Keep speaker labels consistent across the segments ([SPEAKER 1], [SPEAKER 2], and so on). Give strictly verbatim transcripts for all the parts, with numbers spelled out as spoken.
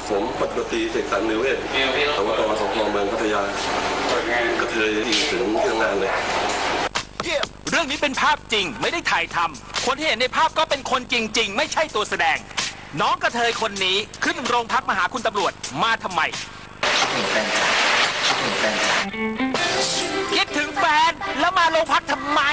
[SPEAKER 1] ผมปฏิบัติเสกสรรนิเวศสวตสพเมืองพัทยากระเทยที่ถึงที่ทำงานเลย
[SPEAKER 2] เรื่องนี้เป็นภาพจริงไม่ได้ถ่ายทำคนที่เห็นในภาพก็เป็นคนจริงๆไม่ใช่ตัวแสดงน้องกระเทยคนนี้ขึ้นโรงพักมาหาคุณตำรวจมาทำไมคิดถึงแฟนแล้วมาโรงพักทำไม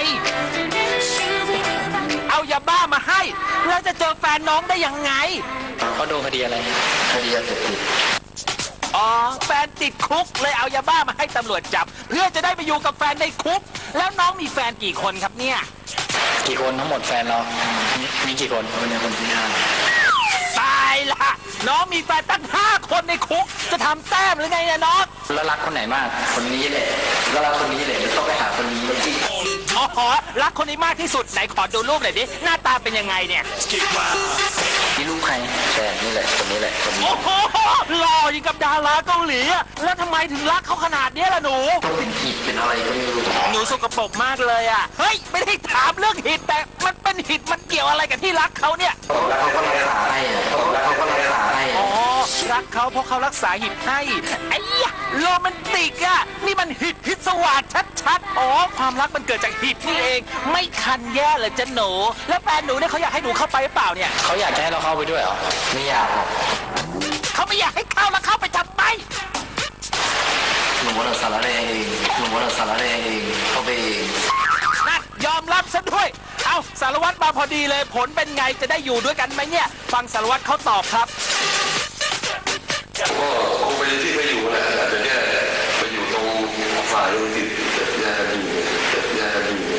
[SPEAKER 2] เอายาบ้ามาให้แล้วจะเจอแฟนน้องได้ยังไง
[SPEAKER 3] เขาโดนคดีอะไรคดียาเสพติด
[SPEAKER 2] อ๋อแฟนติดคุกเลยเอายาบ้ามาให้ตำรวจจับเพื่อจะได้ไปอยู่กับแฟนในคุกแล้วน้องมีแฟนกี่คนครับเนี่ย
[SPEAKER 3] กี่คนทั้งหมดแฟนเรามีกี่คนคนนี้คนที่ห้า
[SPEAKER 2] ตายละน้องมีแฟนตั้งห้าคนในคุกจะทำแต้มหรือไงเนี่ยน้อง
[SPEAKER 3] แล้วรักคนไหนมากคนนี้แหละแล้วรักคนนี้แหละต้องไปหาคนนี้
[SPEAKER 2] อ๋อรักคนนี้มากที่สุดไหนขอดูรูปหน่อยดิหน้าตาเป็นยังไงเนี่ย
[SPEAKER 3] นี่รูปใครแฟนนี่แหละคนนี้แหละคนนี้
[SPEAKER 2] โอ้โหหล่อยิ่งกับดาราเกาหลีแล้วทำไมถึงรักเขาขนาดนี้ล่ะหนู
[SPEAKER 3] ต้องเป็นหิดเป็นอะไรก็ไม่รู้
[SPEAKER 2] หนูสกปรกมากเลยอ่ะเฮ้ยไม่ได้ถามเรื่องหิดแต่มันเป็นหิดมันเกี่ยวอะไรกับที่รักเขาเนี่ย
[SPEAKER 3] แล้วเขาก็รักษาให้แล้วเขาก็รักษาให้
[SPEAKER 2] อ๋อรักเขาเพราะเขารักษาหิดให้ไอ้ยะโรแมนติกอ่ะนี่มันหิดพิศวาสชัดๆอ๋อความรักมันเกิดจากหิดนี่เองไม่คันแย่เลยจ้ะหนูแล้วแฟนหนูเนี่ยเขาอยากให้หนูเข้าไปหรือเปล่าเนี่ย
[SPEAKER 3] เขาอยากให้เราเข้าไปด้วยเหรอไม่อยากหรอก
[SPEAKER 2] เขาไม่อยากให้เข้าแล้วเข้าไปทำไม
[SPEAKER 3] หนูว่าเราสารเองหนูว่าเราสารเองเข้าไปเอง
[SPEAKER 2] นั่นยอมรับซะด้วยเอาสารวัตรมาพอดีเลยผลเป็นไงจะได้อยู่ด้วยกันไหมเนี่ยฟังสารวัตรเขาตอบครับ
[SPEAKER 1] ก็คงไปที่ไปอยู่นะอาจจะแค่ไปอยู่ตรงฝ่ายธุรกิจแต่แยกกันอยู่แต่แยกกันอยู่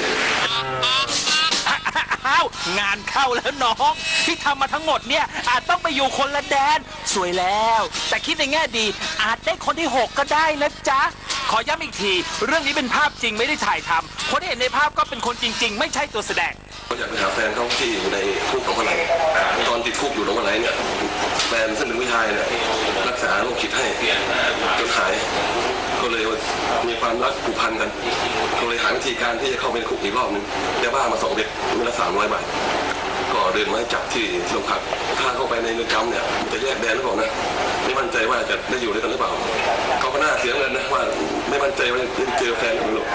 [SPEAKER 2] อ้าวงานเข้าแล้วน้องที่ทำมาทั้งหมดเนี่ยอาจต้องไปอยู่คนละแดนสวยแล้วแต่คิดในแง่ดีอาจได้คนที่หกก็ได้นะจ๊ะขอย้ำอีกทีเรื่องนี้เป็นภาพจริงไม่ได้ถ่ายทำคนที่เห็นในภาพก็เป็นคนจริงๆไม่ใช่ตัวแสดง
[SPEAKER 1] ก็อยากไปหาแฟนเขาที่อยู่ในคุกของคนไหนตอนติดคุกอยู่ตรงคนไหนเนี่ยแฟนซึ่งเป็นผู้ชายเนี่ยรักษาโรคจิตให้จนหายก็เลยมีความรักผูกพันกันก็เลยหาวิธีการที่จะเข้าไปในคุกอีกรอบนึงได้บ้ามาสองเด็กเมื่อละสามร้อยบาทก็เดินมาให้จับที่โรงพักถ้าเข้าไปในเรือนจำเนี่ยจะแยกแดนหรือเปล่านะไม่มั่นใจว่าจะได้อยู่ด้วยกันหรือเปล่าเขาก็น่าเสียเงินนะว่าไม่มั่นใจว่าจะเจอแฟนหรือเปล่า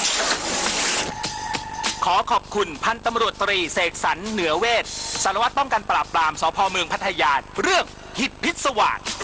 [SPEAKER 2] ขอขอบคุณพันตำรวจตรีเสกสรรเหนือเวชสารวัตรป้องกันปราบปรามสพเมืองพัทยาเรื่องหิดพิศวาส